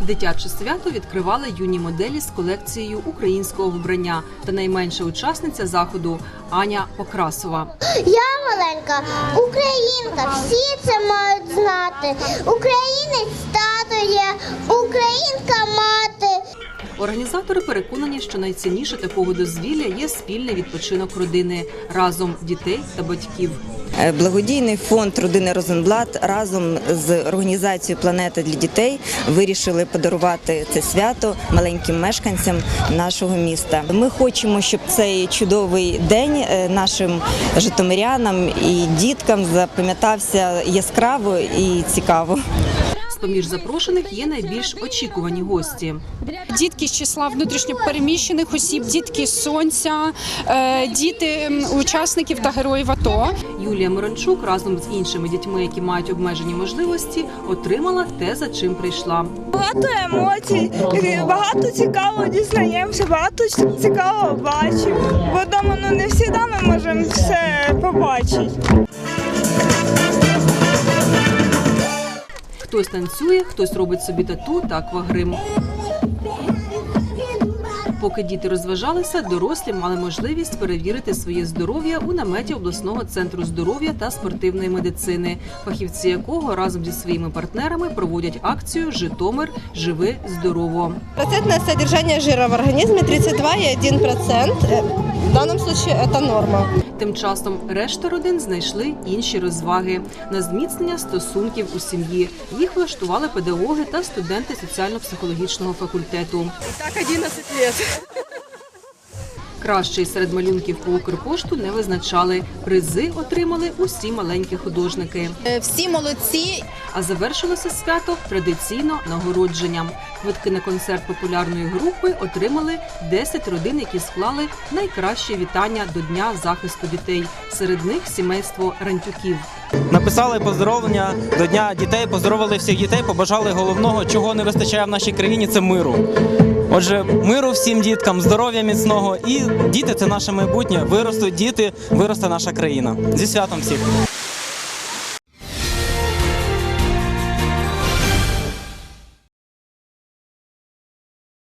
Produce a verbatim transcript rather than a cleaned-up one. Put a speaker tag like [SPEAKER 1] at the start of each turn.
[SPEAKER 1] Дитяче свято відкривали юні моделі з колекцією українського вбрання та найменша учасниця заходу Аня Покрасова.
[SPEAKER 2] Я маленька українка, всі це мають знати. Українець тато є, українка мати.
[SPEAKER 1] Організатори переконані, що найцінніше такого дозвілля є спільний відпочинок родини разом дітей та батьків.
[SPEAKER 3] Благодійний фонд родини Розенблат разом з організацією «Планета для дітей» вирішили подарувати це свято маленьким мешканцям нашого міста. Ми хочемо, щоб цей чудовий день нашим житомирянам і діткам запам'ятався яскраво і цікаво.
[SPEAKER 1] З-поміж запрошених є найбільш очікувані гості.
[SPEAKER 4] Дітки з числа внутрішньопереміщених осіб, дітки з Сонця, діти учасників та героїв АТО.
[SPEAKER 1] Юлія Мирончук разом з іншими дітьми, які мають обмежені можливості, отримала те, за чим прийшла.
[SPEAKER 5] Багато емоцій, багато цікавого дізнаємося, багато цікавого бачимо. Бо вдома ну, не завжди ми можемо все побачити.
[SPEAKER 1] Хтось танцює, хтось робить собі тату та аквагрим. Поки діти розважалися, дорослі мали можливість перевірити своє здоров'я у наметі обласного центру здоров'я та спортивної медицини, фахівці якого разом зі своїми партнерами проводять акцію «Житомир. Живи здорово».
[SPEAKER 6] Процентное содержание жира в организме тридцать два и один процент. В данном случае это норма.
[SPEAKER 1] Тим часом решта родин знайшли інші розваги на зміцнення стосунків у сім'ї. Їх влаштували педагоги та студенти соціально-психологічного факультету.
[SPEAKER 6] Так одиннадцать лет.
[SPEAKER 1] Кращий серед малюнків по Укрпошту не визначали. Призи отримали усі маленькі художники.
[SPEAKER 6] Всі молодці.
[SPEAKER 1] А завершилося свято традиційно нагородженням. Квитки на концерт популярної групи отримали десять родин, які склали найкраще вітання до Дня захисту дітей. Серед них сімейство Рантюків.
[SPEAKER 7] Написали поздоровлення до Дня дітей, поздоровили всіх дітей, побажали головного, чого не вистачає в нашій країні – це миру. Отже, миру всім діткам, здоров'я міцного і діти – це наше майбутнє. Виростуть діти, виросте наша країна. Зі святом всіх!